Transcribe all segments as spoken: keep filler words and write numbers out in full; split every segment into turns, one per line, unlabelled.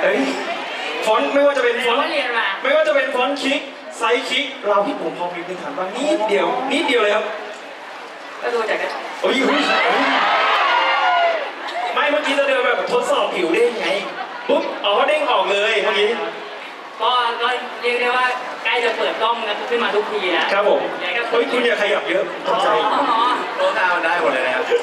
เฮ้ยฟอนต์ไม่ว่าจะเป็นฟอนต์
เรียนมา
ไม่ว่าจะเป็นฟอนต์คลิกไซส์คลิกเราพี่ผมพอมีพื้นฐานบ้างนิดเดียวนิดเดียวเลยครับ
ก็ดูจาก
เฮ้ยไม่เมื่อกี้จะเดินแบบทดสอบผิวเด้งไงปุ๊บอ๋อเด้งออกเลยเมื่อกี้
ก็ก็เรียกได้ว่าใกล้จะเปิดกล้องขึ้นมาทุกทีนะครับ
ผมเฮ้ยคุณอย่าขยับเยอะตกใจ
โน้ตามันได้หมดเลยนะครับ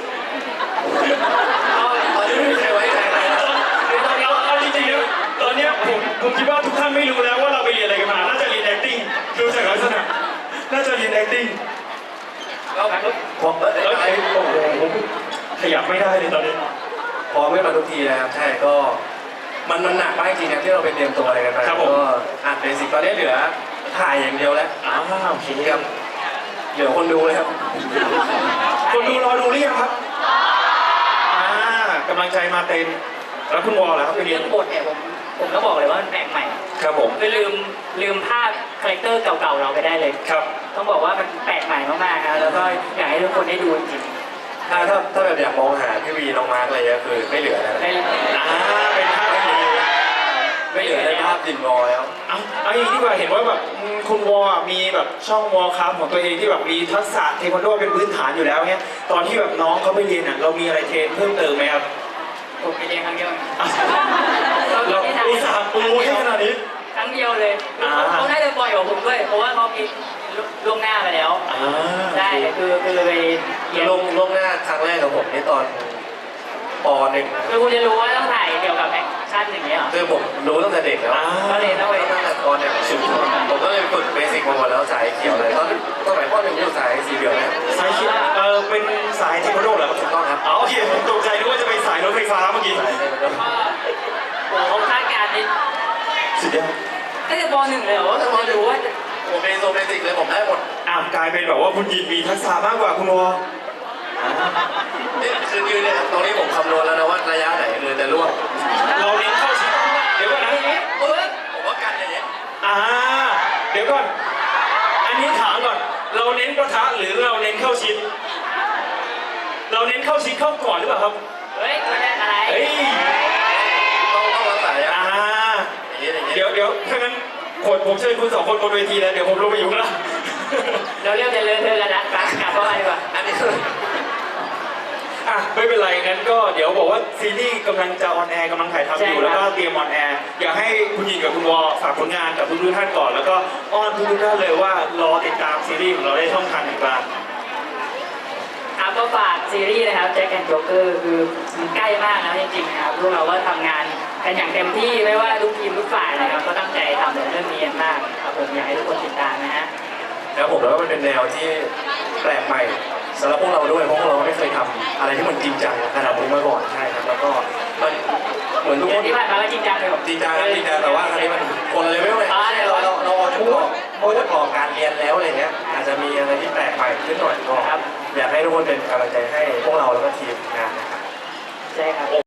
ตอนนี้ไม่มีใครไว้ใจใครแล้ว
เอาจริงๆนะตอนนี้ผมผมคิดว่าทุกท่านไม่รู้แล้วว่าเราไปเรียนอะไรกันมาน่าจะเรียน acting ดูจากลักษณะน่าจะเรียน acting
ก็ผมเออ
แล้วไอ้โอ้โหขยับไม่ได้เลยตอนนี้
พอไม่มาทุกทีนะครับใช่ก็มันมันหนักมากจริงนะที่เราไปเตรียมตัวอะไรกันไปก็อ่านเบสิกตอนนี้เหลือถ่ายอย่างเดียวแล้ว
อ้าวโอเค
ครับเหลือคนดูเลยครับ
คนดูรอดูหรือยังครับอ่ากำลังใจมาเต็มแล้วคุณวอลล่ะครับไปเรียน
เรื่องบทเนี่ยผมผมก็บอกเลยว่ามันแปลกใหม่
ครับผม
คือลืมลืมภาพคาแรคเตอร์เก่าๆเราไปได้เลย
ครับ
ต้องบอกว่ามันแปลกใหม่มากๆครับแล้วก็อยากให้ทุกคนได้ดูจริง
ถ้าถ้าถ้าแบบอยากมองหาพี่วีน้องมาร์กอะไรเงี้ยคือไม่เหลือแล้ว
ได้เลย
อ่าเป็นภาพที่ดี
ไม่เหลือในภาพดินงอแล้ว
เอาเอาอย่างนี้ดีกว่าเห็นว่าแบบคุณวอลมีแบบช่องวอลครับของตัวเองที่แบบมีทักษะเทควันโดเป็นพื้นฐานอยู่แล้วเนี้ยตอนที่แบบน้องเขาไปเรียนอ่ะเรามีอะไรเทรนเพิ่มเติมไหมครับ
ผมไปเรียนครั้งเดียว
เราอุตส่าห์ปูให้ขนาดนี้
ครั้งเดียวเลยเขาน่าจะบ่อยกว่าผมด้วยเพราะว่าเขาคิดล่วงหน้าไปแล้วใช่คือคือไปเรียน
ลงลงหน้าครั้งแรกกับผมนี่ตอนปหนึ่ง
คือคุณจะรู้ว่าต้องถ่ายเกี่ยวกับแอคชั่นอย่างเงี้ยหรอ
คือผมรู้ตั้งแต่เด็กแล้ว
ก็เลยต้องไป
ตั้งแต่ปหนึ่งผมก็เลยฝึกเบสิกมาหมดแล้วสายเขียวเลยตอนตอนไหนปหนึ่งอยู่สายสีเหลืองเนี่ย
สายคิดเออเป็นสายเทควันโดเหรอครับ
ถูกต้องครับ
อ๋อโอเคผมตกใจนึกว่าจะไปสายรถไฟฟ้าเมื่อกี้
สายเทควันโด
ก็โอ้โหคาดการณ์นี่
สุดยอด
ตั้งแต่ปหนึ่งเลยเหรอว่าจะรู้ว่า
ผมเป็นโซเบสิกเลยผมได้หมด
อ่ะกลายเป็นแบบว่าคุณยินมีทักษะมากกว่าคุณวอ
นี่คือยืนเนี่ยตรงนี้ผมคำนวณแล้วนะว่าระยะไหนคือจะล่วง
เราเน้นเข้าชิดเดี๋ยวก่อนนะ
ผมว่ากันอย่างเงี้ย
อ่าเดี๋ยวก่อนอันนี้ถามก่อนเราเน้นประทะหรือเราเน้นเข้าชิดเราเน้นเข้าชิดเข้าก่อนหรือเปล่าครับ
เฮ้ยมันได้อะไร
เฮ้ย
ต้องต้องรักษาอย่าง
อ่า
นี้อย่างนี้
เดี๋ยวเดี๋ยวถ้างั้นคนผมเชิญคุณสองคนบนเวทีแล้วเดี๋ยวผมลงไปอยู่ข้างล่าง
เราเรียกจะเลื่อนเธอกันละกลับกลับเข้ามาดีกว่า
อันนี้
อ่ะไม่เป็นไรงั้นก็เดี๋ยวบอกว่าซีรีส์กำลังจะออนแอร์กำลังถ่ายทำอยู่แล้วก็เตรียมออนแอร์อยากให้คุณหญิงกับคุณวอฝากผลงานกับทุกท่านก่อนแล้วก็อ้อนทุกท่านเลยว่ารอติดตามซีรีส์ของเราได้ช่องทางไหนบ้าง
ครับก็ฝากซีรีส์นะครับแจ็คแอนด์โจ๊กเกอร์คือมันใกล้มากแล้วจริงๆนะครับพวกเราก็ทำงานกันอย่างเต็มที่ไม่ว่าทุกทีมทุกฝ่ายนะครับก็ตั้งใจทำเรื่องนี้มากครับผมอยากให้ทุกคนติดตามนะฮะ
แล้วผมแล้วมันเป็นแนวที่แปลกใหม่สำหรับพวกเราด้วยเพราะพวกเราไม่เคยทำอะไรที่มันจริงจังขนาดนี้มาก่อนใช่ครับแล้วก็มันเหมือนทุกคน
ที่ผ่านมาก็จริงจังเลย
จริงจังจริงจังแต่ว่าครั้งนี้มันคนละเลเวลเลยเราเราเราเอาเฉพาะเอาเฉพาะการเรียนแล้วอะไรเงี้ยอาจจะมีอะไรที่แปลกใหม่ขึ้นหน่อยก็อยากให้ทุกคนเป็นกำลังใจให้พวกเราแล้วก็ทีมงานนะครับ
ใช่ครับ